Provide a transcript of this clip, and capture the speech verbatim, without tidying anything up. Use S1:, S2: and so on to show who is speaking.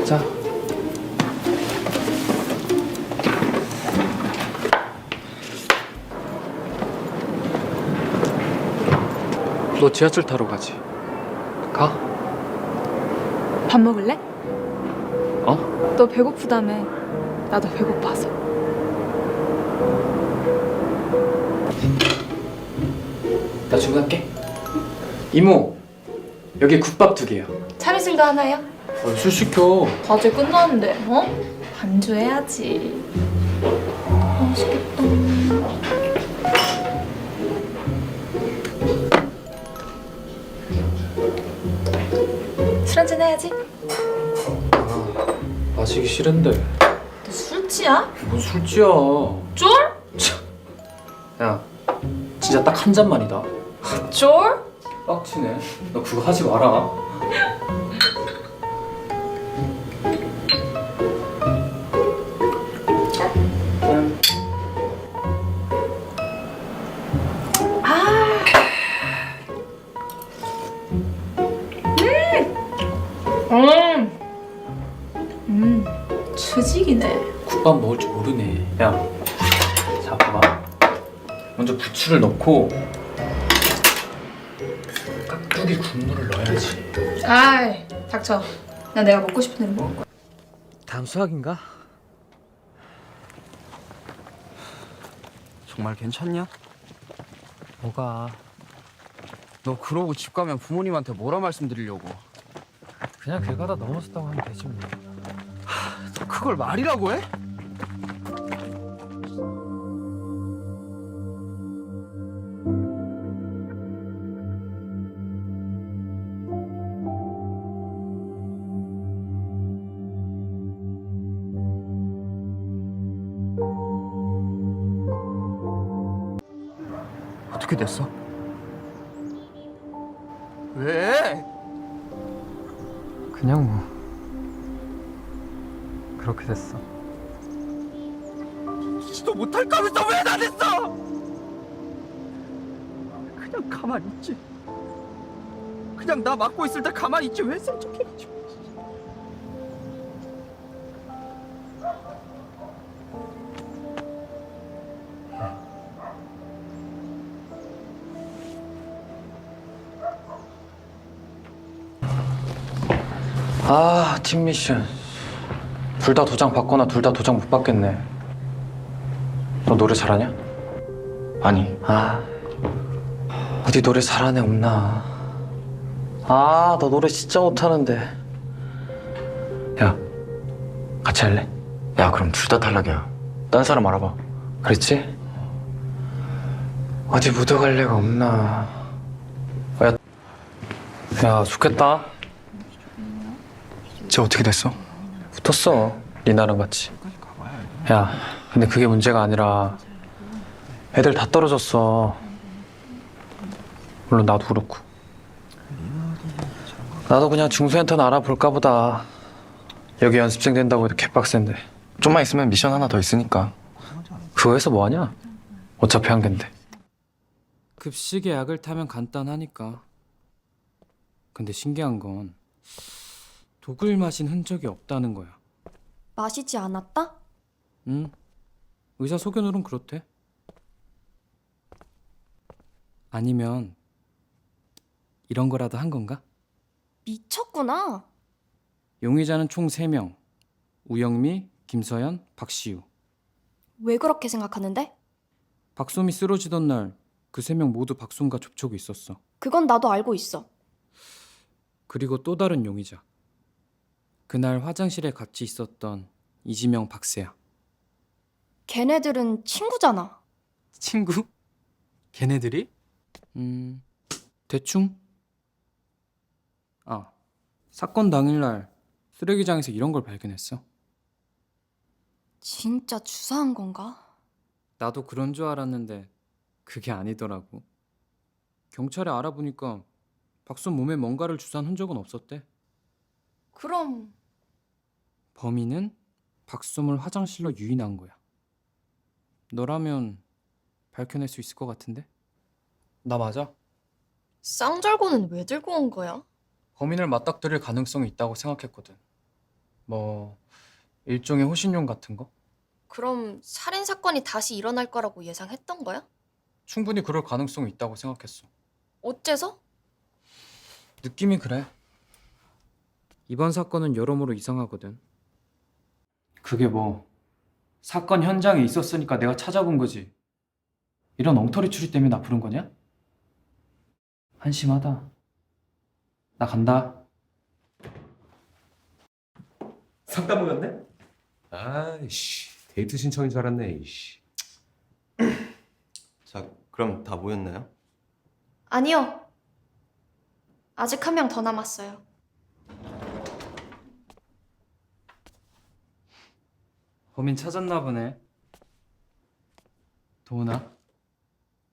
S1: 자. 너 지하철 타러 가지. 가.
S2: 밥 먹을래?
S1: 어?
S2: 너 배고프다며. 나도 배고파서.
S1: 나 주문할게. 이모, 여기 국밥 두 개요.
S2: 참이슬도 하나요?
S1: 어, 술 시켜.
S2: 과제 끝났는데, 어? 반주해야지. 맛있겠다. 술 한잔 해야지.
S1: 마시기 싫은데.
S2: 너 술취야?
S1: 뭔 술지야.
S2: 쫄?
S1: 야, 진짜 딱 한 잔만이다.
S2: 쫄?
S1: 빡치네. 너 그거 하지 마라.
S2: 음! 음, 추직이네.
S1: 국밥 먹을 줄 모르네. 야, 자 봐봐. 먼저 부추를 넣고 깍두기 국물을 넣어야지.
S2: 아이, 닥쳐. 난 내가 먹고 싶은 대로 먹을 거야.
S1: 다음 수학인가?
S3: 정말 괜찮냐?
S1: 뭐가?
S3: 너 그러고 집 가면 부모님한테 뭐라 말씀드리려고?
S1: 그냥 길 가다 넘어졌다고 하면 되지 뭐.
S3: 너 그걸 말이라고 해? 어떻게 됐어? 왜?
S1: 그냥 뭐 그렇게 됐어.
S3: 너 못할까 하면서 왜 나 됐어? 그냥 가만히 있지. 그냥 나 맡고 있을 때 가만히 있지 왜 센 척해가지고.
S1: 아, 팀 미션. 둘 다 도장 받거나 둘 다 도장 못 받겠네. 너 노래 잘하냐?
S3: 아니.
S1: 아, 어디 노래 잘하는 애 없나? 아, 너 노래 진짜 못하는데. 야, 같이 할래?
S3: 야 그럼 둘 다 탈락이야. 딴 사람 알아봐.
S1: 그랬지? 어디 묻어갈 데가 없나? 야, 야, 좋겠다.
S3: 쟤 어떻게 됐어?
S1: 붙었어, 리나랑 같이. 야, 근데 그게 문제가 아니라 애들 다 떨어졌어. 물론 나도 그렇고. 나도 그냥 중소엔터는 알아볼까 보다. 여기 연습생 된다고 해도 개빡센데.
S3: 좀만 있으면 미션 하나 더 있으니까.
S1: 그거 해서 뭐하냐? 어차피 한 갠데.
S4: 급식에 약을 타면 간단하니까. 근데 신기한 건 독을 마신 흔적이 없다는 거야.
S5: 마시지 않았다?
S4: 응? 의사 소견으론 그렇대. 아니면 이런 거라도 한 건가?
S5: 미쳤구나.
S4: 용의자는 총 세 명. 우영미, 김서연, 박시우.
S5: 왜 그렇게 생각하는데?
S4: 박솜이 쓰러지던 날 그 세 명 모두 박솜과 접촉이 있었어.
S5: 그건 나도 알고 있어.
S4: 그리고 또 다른 용의자. 그날 화장실에 같이 있었던 이지명, 박세야.
S5: 걔네들은 친구잖아.
S4: 친구? 걔네들이? 음... 대충? 아, 사건 당일날 쓰레기장에서 이런 걸 발견했어.
S5: 진짜 주사한 건가?
S4: 나도 그런 줄 알았는데 그게 아니더라고. 경찰에 알아보니까 박솜 몸에 뭔가를 주사한 흔적은 없었대.
S5: 그럼
S4: 범인은 박솜을 화장실로 유인한 거야. 너라면 밝혀낼 수 있을 것 같은데? 나 맞아?
S5: 쌍절곤은 왜 들고 온 거야?
S4: 범인을 맞닥뜨릴 가능성이 있다고 생각했거든.
S1: 뭐 일종의 호신용 같은 거?
S6: 그럼 살인 사건이 다시 일어날 거라고 예상했던 거야?
S1: 충분히 그럴 가능성이 있다고 생각했어.
S6: 어째서?
S1: 느낌이 그래.
S4: 이번 사건은 여러모로 이상하거든.
S1: 그게 뭐 사건 현장에 있었으니까 내가 찾아본 거지. 이런 엉터리 추리 때문에 나 부른 거냐? 한심하다. 나 간다.
S7: 상담 오셨네? 아이씨, 데이트 신청인 줄 알았네. 이씨.
S8: 자, 그럼 다 모였나요?
S5: 아니요. 아직 한 명 더 남았어요.
S1: 범인 찾았나 보네. 도훈아,